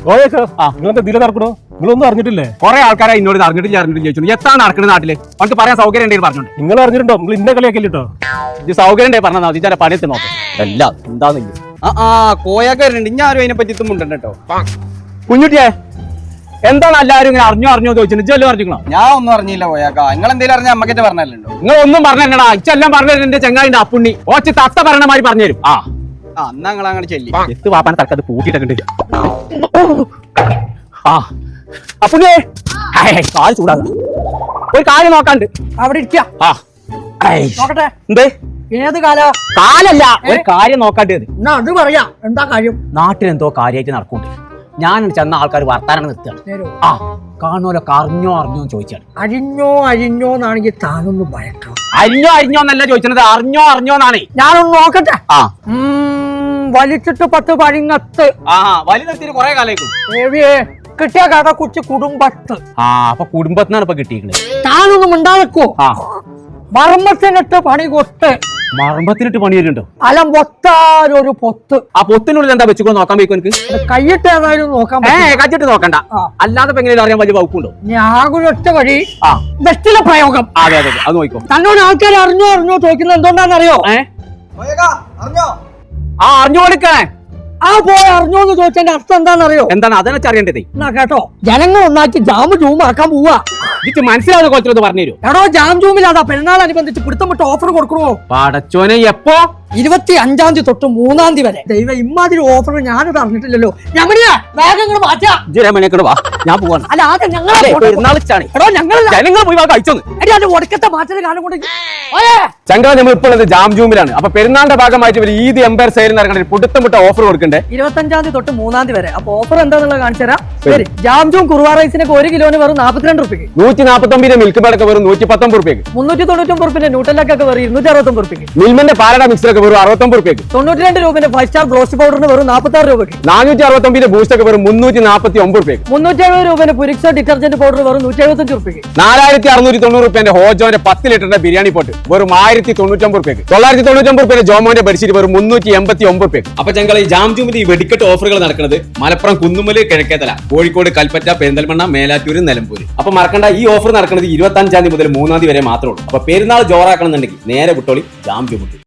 നിങ്ങളെന്താ ഇതിലെ നടക്കണോ? നിങ്ങളൊന്നും അറിഞ്ഞിട്ടില്ലേ? കുറെ ആൾക്കാരെ എന്നോട് അറിഞ്ഞിട്ടില്ല ചോദിച്ചു. എത്താണ് നടക്കുന്നത് നാട്ടില്? അവർക്ക് പറയാൻ സൗകര്യം ഉണ്ടെങ്കിൽ പറഞ്ഞോണ്ട്. നിങ്ങൾ അറിഞ്ഞിട്ടുണ്ടോ? നിങ്ങൾ ഇന്ന കളിയാക്കില്ലോ. ഇത് സൗകര്യം ഉണ്ടെങ്കിൽ പറഞ്ഞാൽ മതി. ചില പണിയെത്തി നോക്കാം. എല്ലാം എന്താന്നില്ല. കോയാക്കാരുണ്ട്. ഇനി ആരും അതിനെ പറ്റി മുണ്ടല്ലോ കേട്ടോ. കുഞ്ഞുട്ടിയെ എന്താണ് എല്ലാവരും ഇങ്ങനെ അറിഞ്ഞോ ചോദിച്ചു? ഇജ്ജെല്ലാം അറിഞ്ഞിക്കണോ? ഞാൻ ഒന്നും അറിഞ്ഞില്ല കോയാക്ക. നിങ്ങൾ എന്തെങ്കിലും അറിഞ്ഞാൽ അമ്മക്കിട്ട് പറഞ്ഞല്ലോ. നിങ്ങൾ ഒന്നും പറഞ്ഞാ ഇച്ചെല്ലാം പറഞ്ഞു. എന്റെ ചെങ്ങായിന്റെ അപ്പുണ്ണി ഓച്ച് തത്ത പറയണ മാതിരി പറഞ്ഞുതരും. എന്നാ നിങ്ങൾ അങ്ങനെ ചെല്ലി എത്ത് പാപ്പാനെ തക്കത് പൂട്ടിയിട്ടുണ്ട്. അപ്പുണ്ണിയെ കാൽ ചൂടാക. ഒരു കാര്യം നോക്കാണ്ട് അവിടെ ഇരിക്കാം. നോക്കട്ടെ എന്തേ? ഏത് കാലാ? കാലല്ല, ഒരു കാര്യം നോക്കാണ്ടത്. എന്നാ അത് പറയാ. എന്താ കാര്യം? നാട്ടിലെന്തോ കാര്യമായിട്ട് നടക്കുന്നുണ്ട്. ഞാൻ ചെന്ന ആൾക്കാർ വർത്താനം നിർത്തുകയാണ്. കാണുമല്ലോ അറിഞ്ഞോ ചോദിച്ചാണ്. അരിഞ്ഞോ എന്നാണെങ്കിൽ താനൊന്ന് ഭയക്കണം. അരിഞ്ഞോ എന്നല്ല ചോദിച്ചത്, അറിഞ്ഞോന്നാണ്. ഞാനൊന്ന് നോക്കട്ടെ. വലിച്ചിട്ട് 10 പഴിങ്ങത്ത്. വലിയ നിർത്തിയിട്ട് കുറെ കാലം കിട്ടിയ കട കുറിച്ച് കുടുംബത്ത്. അപ്പൊ കുടുംബത്തിനാണ് ഇപ്പൊ കിട്ടിയിരിക്കുന്നത്. താനൊന്നും ഉണ്ടാക്കോ? മർമ്മത്തിനിട്ട് പണി കൊട്ട്. മർമ്മത്തിനിട്ട് പണി വരുന്നുണ്ടോ? അല്ല മൊത്താരൊരു പൊത്ത്. ആ പൊത്തിനുള്ളിൽ എന്താ വെച്ചുകൊണ്ട് നോക്കാൻ പോയിക്കോ? എനിക്ക് കൈയിട്ട് ഏതായാലും നോക്കാൻ കച്ചിട്ട് നോക്കണ്ട. അല്ലാതെ എങ്ങനെ അറിയാൻ വലിയ വകുപ്പുണ്ടോ? ഞാനൊറ്റ വഴി ബെസ്റ്റിലെ പ്രയോഗം. അതെ അത് നോക്കോ. തന്നോട് ആൾക്കാർ അറിഞ്ഞോ ചോദിക്കുന്നത് എന്തുകൊണ്ടാണെന്നറിയോ? അറിഞ്ഞു കൊടുക്കണേ. അറിഞ്ഞോന്ന് ചോദിച്ചതിന്റെ അർത്ഥം എന്താണെന്നറിയോ? എന്താണ് അതെന്ന് അറിയേണ്ടത്? എന്നാ കേട്ടോ, ജനങ്ങൾ ഒന്നാക്കി ജാമ് ജൂമാക്കാൻ പോവാ. ഇത് മനസ്സിലാവുന്ന കോലത്തിലൊന്ന് പറഞ്ഞു തരൂ. എടോ, ജാം ജൂമിലാതാ പെരുന്നാളനുബന്ധിച്ച് പിടുത്തം വിട്ട് ഓഫർ കൊടുക്കണോ? പടച്ചോനെ എപ്പോ? 25-ാം തീയതി തൊട്ട് 3-ാം തീയതി വരെ. ദൈവം, ഇമ്മാതിരി ഓഫർ ഞാനത് അറിഞ്ഞിട്ടില്ലല്ലോ. വേഗങ്ങൾ മാറ്റാ. ഞാൻ പോവാണ്. അല്ല ആദ്യം ഞങ്ങളെ ഒടുക്കത്തെ മാറ്റത് കാരണം കൊണ്ട് ചങ്ക നമ്മൾ ഇപ്പോൾ ജാം ജൂമിലാണ്. അപ്പൊ പെരുന്നാളിന്റെ ഭാഗമായിട്ട് ഈദ് എംപയർ സെയിൽ നടക്കണേ പുടുത്തം വിട്ട ഓഫർ കൊടുക്കണ്ടേ? 25-ാം തീയതി തൊട്ട് 3-ാം തീയതി വരെ. അപ്പൊ ഓഫർ എന്താണെന്നുള്ളത് കാണിച്ചു തരാം. ശരി, ജാം ജൂം കുറുവ റൈസിനൊക്കെ 1 കിലോന് വെറും 42 റുപ്യക്ക്. 149 മിൽക്ക് പേടൊക്കെ വെറും 119 റുപ്യക്ക്. 399 റുപ്യന്റെ ന്യൂട്ടലൊക്കെ വെറും 269 റുപ്യക്ക്. മിൽമന്റെ പാലട മിക്സറൊക്കെ വെറും 69 റുപ്യക്ക്. 92 രൂപന്റെ 5 സ്റ്റാർ ബ്രോസ്റ്റ് പൗഡറിന് വെറും 46 രൂപയ്ക്ക്. 469 ബൂസ്റ്റ് ഒക്കെ വെറും 349 റുപ്യക്ക്. 370 രൂപന്റെ പുരിക്സോ ഡിറ്റർജന്റ് പൗഡർ വെറും 175 റുപ്യക്ക്. 4690 റുപ്യന്റെ ഹോജോന്റെ 10 ലിറ്ററിന്റെ ബിരിയാണി പോട്ട് വെറും 1099 റുപ്യക്ക്. 999 റുപ്യന്റെ ജോമോന്റെ ബെഡ്ഷീറ്റ് വെറും 389 റുപ്യക്ക്. അപ്പൊ ഞങ്ങൾ ഈ ജാം ജൂമിന്റെ ഈ വെടിക്കെട്ട് ഓഫറുകൾ നടക്കുന്നത് മലപ്പുറം കുന്നുമല്, കിഴക്കേതല, കോഴിക്കോട്, കൽപ്പറ്റ, പെരിന്തൽമണ്ണ, മേലാറ്റൂര്, നിലമ്പൂര്. അപ്പൊ മറക്കണ്ട, ഈ ഓഫർ നടക്കുന്നത് 25-ാം തീയതി മുതൽ 3-ാം തീയതി വരെ മാത്രമേ ഉള്ളൂ. അപ്പൊ പെരുന്നാൾ ജോറാക്കണമെന്നുണ്ടെങ്കിൽ നേരെ വിട്ടോളി ജാം ജൂമിക്ക്.